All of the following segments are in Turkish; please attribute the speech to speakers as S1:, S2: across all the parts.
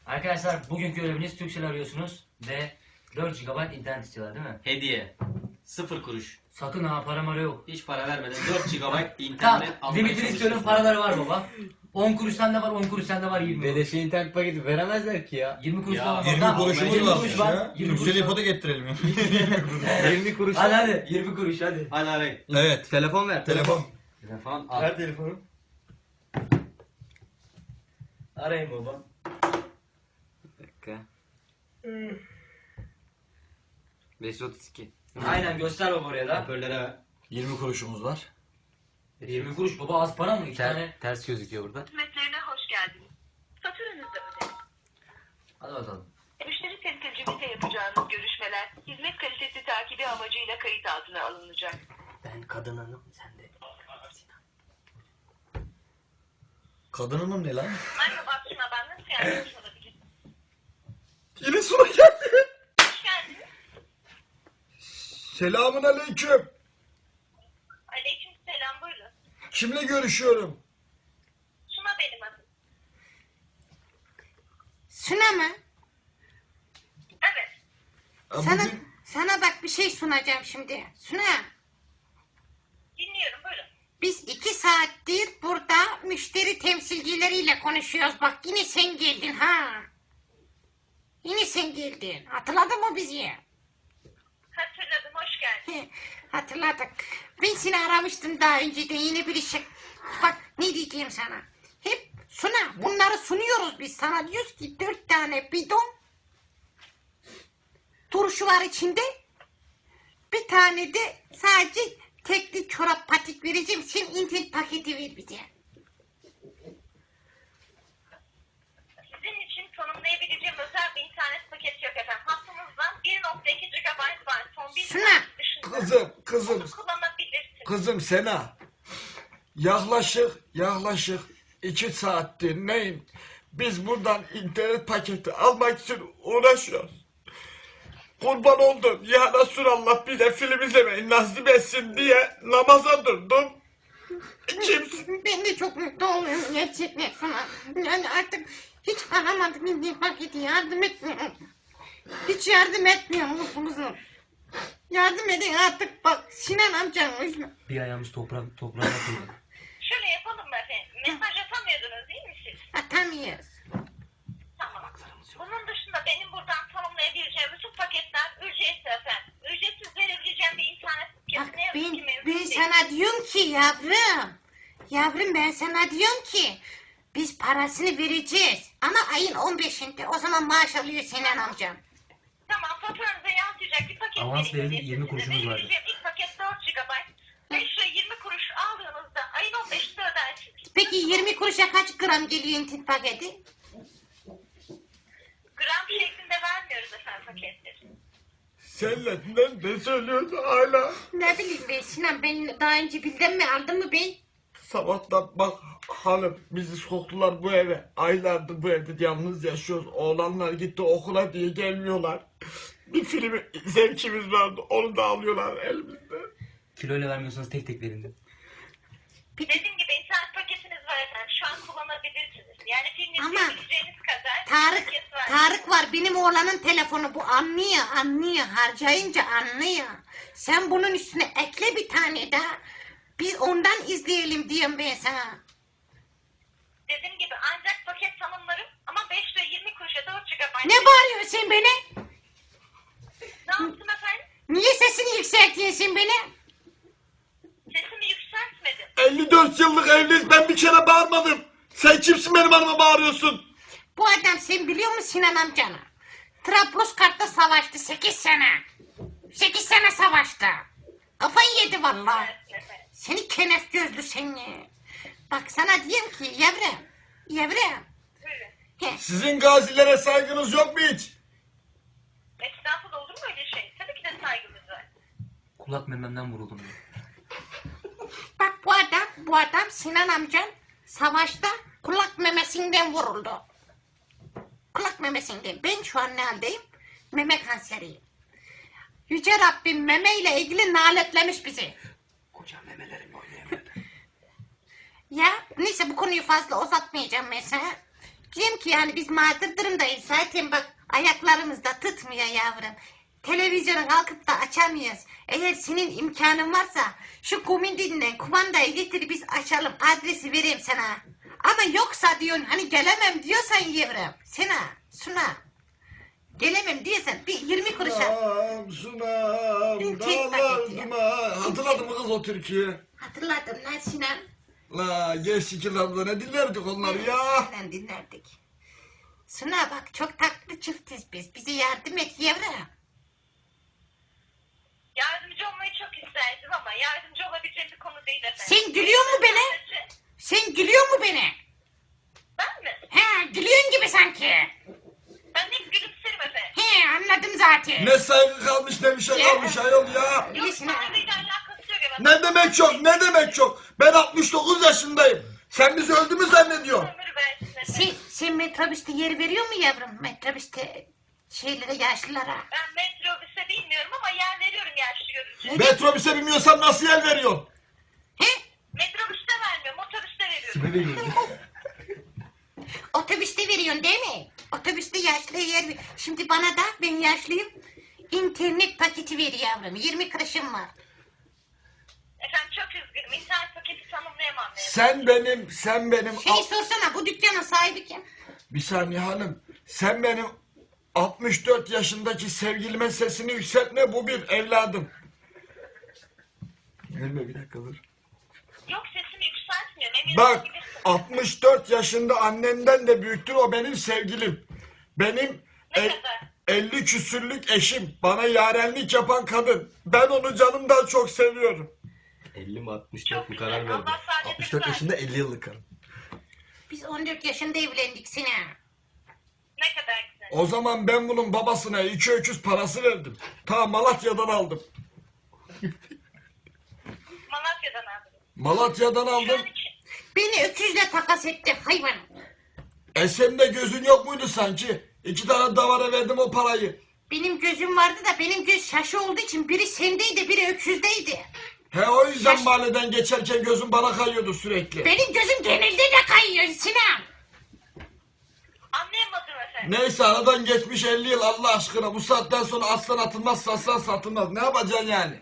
S1: Arkadaşlar bugünkü göreviniz Turkcell arıyorsunuz ve 4 GB internet istiyorlar değil mi?
S2: Hediye. 0 kuruş.
S1: Sakın ha, para yok.
S2: Hiç para vermeden 4 GB
S1: Tamam,
S2: internet almaya
S1: limitini istiyorum,
S2: çalışıyorsun.
S1: paraları var baba. 10 kuruş sende var, 10 kuruş sende var, 20 kuruş.
S3: Beleşe internet paketi veremezler ki ya.
S1: 20 kuruş
S2: Ya,
S1: falan var.
S4: 20
S1: Tamam,
S4: kuruşumuz
S1: 20
S4: varmış
S1: kuruş var.
S4: ya.
S1: 20 kuruş
S4: Turkcell'e
S1: var.
S4: ipotek ettirelim ya.
S3: 20 kuruş.
S1: Hadi 20 kuruş hadi.
S2: Hadi arayın.
S4: Evet.
S3: Telefon ver.
S4: Telefon.
S2: Telefon al.
S1: Ver telefonu. Arayın baba.
S3: Bir dakika. 532.
S1: Aynen, göster baba oraya da.
S2: Hoparlöre ver.
S4: 20 kuruşumuz var.
S1: 20 kuruş baba, az para mı? 2 tane.
S3: Ters gözüküyor burada.
S5: Hizmetlerine hoş geldiniz. Faturanızı ödeyin.
S1: Hadi bakalım.
S5: Müşteri temsilcimizle yapacağınız görüşmeler hizmet kalitesi takibi amacıyla kayıt altına alınacak.
S1: Ben kadın hanım, sen de.
S4: Kadın hanım ne lan?
S5: Merhaba Suna, ben nasıl yardımcı olabilirim?
S4: Yine Suna geldi.
S5: Hoş geldiniz.
S4: Selamun aleyküm.
S5: Aleyküm selam, buyurun.
S4: Kimle görüşüyorum?
S5: Suna benim adım.
S6: Suna mı?
S5: Evet.
S6: Sana bak bir şey sunacağım şimdi. Suna,
S5: Dinliyorum, buyurun.
S6: biz 2 saattir burada müşteri temsilcileriyle konuşuyoruz. Bak yine sen geldin ha. Yine sen geldin. Hatırladın mı bizi?
S5: Hatırladım, hoş geldin.
S6: Hatırladık. Ben seni aramıştım daha önceden, yine bir işe. Bak ne diyeceğim sana. Hep Suna, bunları sunuyoruz biz sana. Diyoruz ki 4 tane bidon turşu var içinde. Bir tane de sadece tekli çorap patik vereceğim. Sen internet paketi ver bize.
S5: Sizin için tanımlayabileceğim özel bir internet paketi yok efendim. Hattımızdan 1.2 GB var. Son bir
S6: Suna.
S5: saat dışında.
S4: Kızım.
S5: Onu kullanabilirsiniz.
S4: Kızım Sena. Yaklaşık 2 saattir neyim? Biz buradan internet paketi almak için uğraşıyoruz. Kurban oldum. Ya Resulallah, bir de film izlemeyi nasip etsin diye namaza durdum. Kimsin?
S6: Ben de çok mutlu oluyorum gerçekten Suna. Yani artık hiç aramadık internet paketi, yardım etmiyor. Hiç yardım etmiyor musunuz? Yardım edin artık, bak Sinan amcanın yüzüne.
S1: Bir ayağımız toprağa koyduk.
S5: Şöyle yapalım mı efendim? Mesaj atamıyordunuz değil mi siz?
S6: Atamıyoruz.
S5: Tamam. Bunun dışında benim buradan tanımlayabileceğim bütün paketler ücretsiz efendim. Ücretsiz verebileceğim bir internet
S6: Bak
S5: paketi ne yazık ki mevcut
S6: ben
S5: değil.
S6: sana diyorum ki yavrum ben sana diyorum ki biz parasını vereceğiz ama ayın 15'inde, o zaman maaş alıyor Sinan amcam.
S5: Tamam, faturanıza yansıyacak bir paket
S1: Avans
S5: vereyim
S1: verin,
S5: size.
S1: 20 kuruşumuz vardı.
S5: Verebileceğim ilk paket 4 GB. 5 lira 20 kuruş aldığınızda ayın 15'inde ödersiniz.
S6: Peki 20 kuruşa kaç gram geliyor internet paketi?
S5: Gram şeklinde vermiyoruz efendim paketleri.
S4: Senle ne söylüyorsun hala?
S6: Ne bileyim ben Sinan, ben daha önce bildim mi, aldım mı ben?
S4: Sabahtan bak hanım, bizi soktular bu eve. Aylardır bu evde yalnız yaşıyoruz. Oğlanlar gitti okula diye gelmiyorlar. Bir film zevkimiz vardı, onu da alıyorlar elimizde.
S1: Kiloyla vermiyorsanız tek tek verin de.
S5: Dediğim gibi internet paketiniz var efendim. Şu an kullanabilirsiniz. Yani film
S6: Ama
S5: izleyebileceğiniz kadar paket var.
S6: Tarık var, benim oğlanın telefonu, bu anlıyor, harcayınca anlıyor. Sen bunun üstüne ekle bir tane daha, biz ondan izleyelim diyorum ben sana.
S5: Dediğim gibi ancak paket tanımlarım ama 5 lira 20 kuruşa 4 GB.
S6: Ne bağırıyorsun sen beni?
S5: Ne yaptım efendim?
S6: Niye sesini yükseltiyorsun beni?
S5: Sesimi yükseltmedim.
S4: 54 yıllık evliyiz, ben bir kere bağırmadım. Sen kimsin benim hanıma bağırıyorsun?
S6: Bu adam, sen biliyor musun Sinan amcanı? Trablusgarp'ta savaştı 8 sene. 8 sene savaştı. Kafayı yedi vallahi.
S5: Evet efendim.
S6: Seni kenef gözlü seni. Bak sana diyeyim ki yavrum.
S5: Buyurun.
S6: He,
S4: Sizin gazilere saygınız yok mu hiç?
S5: Estağfurullah, olur mu öyle şey? Tabii ki de saygımız var.
S1: Kulak mememden vuruldum diyor.
S6: bak bu adam Sinan amcan savaşta kulak memesinden vuruldu. Kulak memesinden. Ben şu an ne haldeyim? Meme kanseriyim. Yüce Rabbim memeyle ilgili naletlemiş bizi.
S1: Koca memelerimle oynayamadım.
S6: Ya neyse, bu konuyu fazla uzatmayacağım mesela. Diyorum ki yani biz mağdur durumdayız. Zaten bak ayaklarımız da tutmuyor yavrum. Televizyonu kalkıp da açamıyoruz. Eğer senin imkanın varsa şu komindinden kumandayı getir biz açalım. Adresi vereyim sana. Ama yoksa diyorsun hani gelemem diyorsan yavrum. Sena, Suna. Gelemem diyorsan bir 20 kuruşa.
S4: Sunam,
S6: Tek paket ya.
S4: dağlarıma. Hatırladın mı kız o türküyü?
S6: Hatırladım lan Sinan.
S4: La gençlik yıllarında ne dinlerdik onları ya.
S6: Senden dinlerdik. Suna bak çok tatlı çiftiz biz. Bize yardım et yavrum.
S5: Yardımcı olmayı çok isterdim ama yardımcı olabileceğim bir konu değil efendim.
S6: Sen gülüyor mu beni? Sen gülüyor mu beni?
S5: Ben mi?
S6: He gülüyorsun gibi sanki.
S5: Ben hep gülümserim efendim.
S6: He anladım zaten.
S4: Ne saygı kalmış ne bir şey kalmış ayol ya.
S5: Yok
S6: Bilirsin ha.
S5: saygıyla alakası yok efendim.
S4: Ne demek çok ne demek çok. Ben 69 yaşındayım. Sen bizi öldü mü zannediyorsun?
S5: Ömür versin efendim.
S6: Sen metrobüste yer veriyor mu yavrum? Metrobüste şeylere yaşlılara.
S5: Ben metrobüse bilmiyorum ama yer veriyorum yaşlı görünce.
S4: Metrobüse binmiyorsan nasıl yer veriyorsun?
S6: He?
S5: Metrobüste vermiyorum, otobüste veriyorum.
S6: Otobüste veriyorsun değil mi? Otobüste yaşlıya yer ver. Şimdi bana da ben yaşlıyım. İnternet paketi ver yavrum. 20 kuruşum var.
S5: Efendim çok üzgünüm. İnternet paketi tanımlayamam.
S4: Sen benim...
S6: Şey sorsana bu dükkanın sahibi kim?
S4: Bir saniye hanım. Sen benim 64 yaşındaki sevgilime sesini yükseltme, bu bir evladım. Gelme bir dakika dur.
S5: Yok sesimi yükseltmiyorum. Eminim
S4: Bak
S5: olabilirsin.
S4: 64 yaşında annenden de büyüktür, o benim sevgilim. Benim
S5: Ne kadar?
S4: 50 küsürlük eşim, bana yarenlik yapan kadın. Ben onu canımdan çok seviyorum.
S7: 50 mi 64
S5: Çok
S7: mu
S5: güzel.
S7: karar verdim.
S5: Allah saadet
S7: 64
S5: versin.
S7: yaşında 50 yıllık karım.
S6: Biz 14 yaşında evlendik Sinan.
S5: Ne kadar güzel.
S4: O zaman ben bunun babasına 2 öküz parası verdim. Ta Malatya'dan aldım.
S5: Malatya'dan aldım.
S4: Malatya'dan
S5: Şu
S4: aldım.
S5: an için.
S6: Beni öküzle takas etti hayvan.
S4: Senin de gözün yok muydu sanki? 2 tane davara verdim o parayı.
S6: Benim gözüm vardı da benim göz şaşı olduğu için biri sendeydi biri öküzdeydi.
S4: He o yüzden mahalleden geçerken gözüm bana kayıyordu sürekli.
S6: Benim gözüm genelde de kayıyor Sinan.
S5: Anlayamadım efendim.
S4: Neyse aradan geçmiş 50 yıl, Allah aşkına bu saatten sonra aslan atılmaz aslan satılmaz. Ne yapacaksın yani?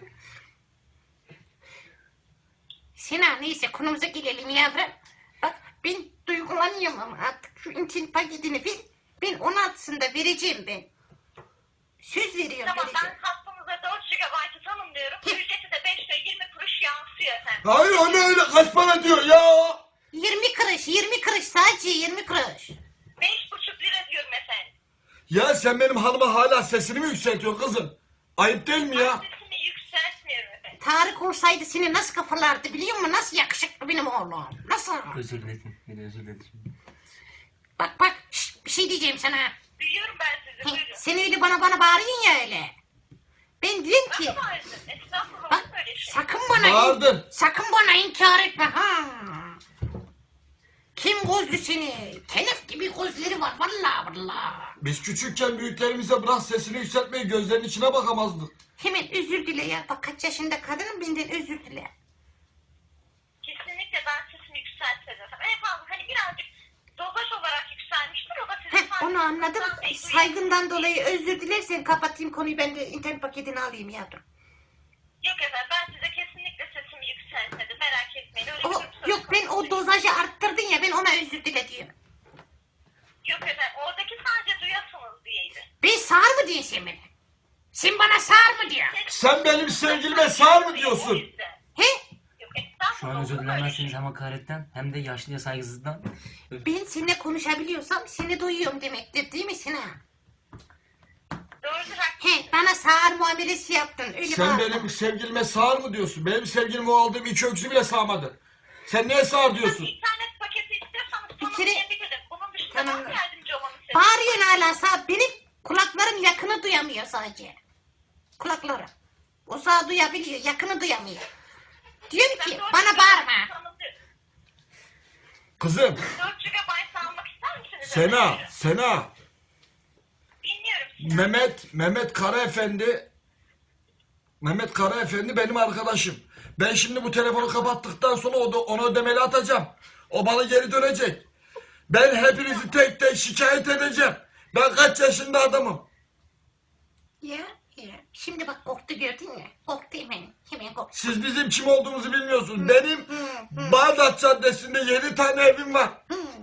S6: Sinan neyse konumuza gelelim yavrum. Bak ben duygulanıyorum ama artık şu internet paketini ver. Ben 16'sında vereceğim ben. Söz veriyorum
S5: Tamam
S6: vereceğim.
S5: ben hattımıza 4 GB'ı tanımlıyorum. Ücreti de 5 lira 20 kuruş yansıyor efendim.
S4: Hayır öyle kaç para diyor ya?
S6: 20 kuruş 20 kuruş sadece 20 kuruş.
S5: 5,5 lira diyorum efendim.
S4: Ya sen benim hanıma hala sesini mi yükseltiyorsun kızım? Ayıp değil mi ya?
S5: Sesimi yükseltmiyorum efendim.
S6: Tarık olsaydı seni nasıl kafalardı biliyor musun? Nasıl yakışıklı benim oğlum. Nasıl?
S1: Özür dilerim. Beni özür dilerim.
S6: Bak şşt, bir şey diyeceğim sana.
S5: Duyuyorum ben sizi buyurun.
S6: Sen öyle bana bağırıyorsun ya öyle. Ben diyorum ki
S5: Nasıl bağırdın? Estağfurullah
S6: bak
S5: böyle şey.
S4: Bağırdın.
S6: sakın bana inkar etme ha. Kim gözlü seni? Telef gibi gözleri var vallahi.
S4: Biz küçükken büyüklerimize bırak sesini yükseltmeyi, gözlerinin içine bakamazdık.
S6: Hemen özür dile ya. Bak kaç yaşında kadınım benden özür dile.
S5: Kesinlikle ben sesimi yükseltmedim efendim. En fazla hani birazcık dozaj olarak yükselmiştir. O da sizin
S6: Heh, onu anladım. Saygından dolayı özür dilersen kapatayım konuyu, ben de internet paketini alayım yavrum.
S5: Yok efendim ben size kesinlikle sesimi yükseltmedim. Merak etmeyin. Öyle bir
S6: O,
S5: durum söz
S6: yok ben
S5: konusu
S6: o
S5: değil.
S6: dozajı arttırdın ya, ben ona özür dile diyorum.
S5: Yok efendim oradaki sadece duyasınız diyeydi.
S6: Ben sağır mı diyorsun sen beni? Sen bana sağır mı diyorsun?
S4: Sen benim sevgilime sağır mı diyorsun?
S5: O yüzden.
S6: He?
S5: Yok estağfurullah.
S1: Şu an özür
S5: olur mu öyle
S1: dilemezseniz
S5: şey?
S1: hem hakaretten hem de yaşlıya saygısızlıktan.
S6: Ben seninle konuşabiliyorsam seni duyuyorum demektir değil mi Sinan?
S5: Doğrudur haklısın.
S6: He, bana sağır muamelesi yaptın. Öyle
S4: Sen
S6: bağırma.
S4: benim sevgilime sağır mı diyorsun? Benim sevgilim o aldığım 2 öksü bile sağmadı. Sen niye sağır diyorsun?
S5: İnternet paketi istiyorsanız
S6: Bir kere-
S5: tanımlayabilirim. Bunun dışında
S6: Tamam.
S5: ben yardımcı olmanı istedim.
S6: Bağırıyorsun hala sağ. Benim kulaklarım yakını duyamıyor sadece. Kulaklarım. O sağ duyabiliyor, yakını duyamıyor. Diyorum ki bana bağırma.
S4: Kızım,
S5: 4 GB almak ister misiniz?
S4: Sena,
S5: efendim?
S4: Sena.
S5: Dinliyorum sizi.
S4: Mehmet Kara Efendi benim arkadaşım. Ben şimdi bu telefonu kapattıktan sonra ona ödemeli atacağım. O bana geri dönecek. Ben hepinizi tek tek şikayet edeceğim. Ben kaç yaşında adamım.
S6: Ya. Şimdi bak korktu gördün mü? Korktu hemen korktu.
S4: Siz bizim kim olduğumuzu bilmiyorsunuz. Benim Bağdat Caddesi'nde 7 tane evim var.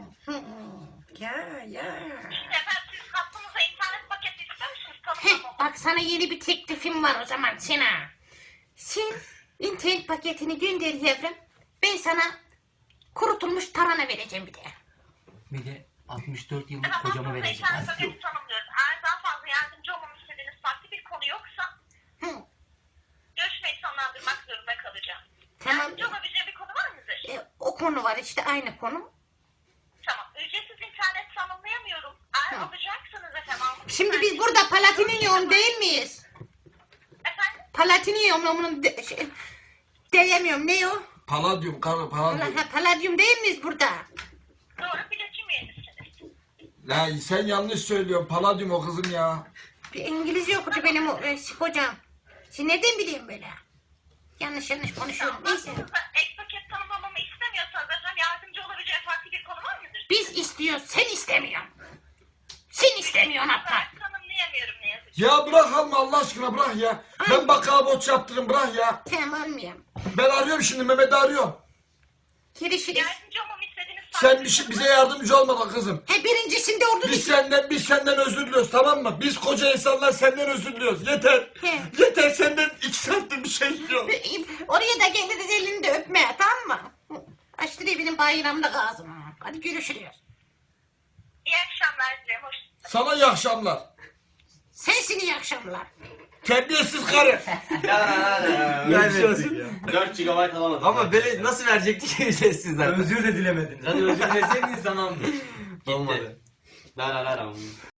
S6: Ya.
S5: İşte efendim siz hattınıza internet paketi ister misiniz?
S6: Heh, bak sana yeni bir teklifim var o zaman Sinan. Sen internet paketini gönder yavrum. Ben sana kurutulmuş tarhana vereceğim bir de.
S1: Bir de 64 yıllık
S5: Efendim
S1: kocamı
S5: hattınıza
S1: vereceğim.
S5: internet paketi tanımlıyoruz. Eğer daha fazla yardımcı olmamı istediğiniz farklı bir konu yoksa
S6: Hı,
S5: görüşmeyi sonlandırmak zorunda kalacağım.
S6: tamam.
S5: Yardımcı olabileceğim bir konu var mıdır?
S6: O konu var işte aynı konu.
S5: Tamam. Ücretsiz internet tanımlayamıyorum. Eğer
S6: Tamam.
S5: alacaksanız efendim almak
S6: Şimdi biz burada Palatiniyum değil miyiz?
S5: Efendim?
S6: Palatiniyum onun diyemiyorum ne o?
S4: Paladyum karı paladyum.
S6: Paladyum değil miyiz burada?
S5: Doğru biletim üyenisiniz.
S4: Ya sen yanlış söylüyorsun. Paladyum o kızım ya.
S6: Bir İngilizce okudu benim hocam. Sen nereden biliyorsun böyle? Yanlış konuşuyorum. Neyse.
S5: Hattınızda ek paket tanımlamamı istemiyorsanız efendim yardımcı olabileceğim farklı bir konu var mıdır?
S6: Biz istiyoruz, sen istemiyorsun. Sen istemiyorsun hatta.
S5: Ben tanımlayamıyorum ne yazık ki.
S4: Ya bırak alma Allah aşkına bırak ya. Ben bakkala borç yaptırırım bırak ya.
S6: Tamam almıyorum.
S4: Ben arıyorum şimdi Mehmet'i arıyorum.
S6: Görüşürüz.
S5: Yardımcı olmamı istediğiniz
S4: Sen bize yardımcı olma bak kızım.
S6: He birincisinde ordu
S4: Biz senden özür diliyoruz tamam mı? Biz koca insanlar senden özür diliyoruz. Yeter.
S6: He.
S4: Yeter senden 2 saattir bir şey istiyorum.
S6: Oraya da geliriz elini de öpmeye tamam mı? Açtırıyor benim bayramda ağzım. Hadi görüşürüz.
S5: İyi akşamlar dilerim. Hoş
S4: Sana iyi akşamlar.
S6: Sensin iyi akşamlar.
S4: Terbiyesiz karı.
S7: Vermedik ya.
S2: 4 GB alamadım.
S3: Ama böyle nasıl verecekti ki ücretsiz zaten?
S1: Özür de dilemediniz. Hadi özür dileseydiniz tamamdır.
S3: Olmadı.
S2: La la la la.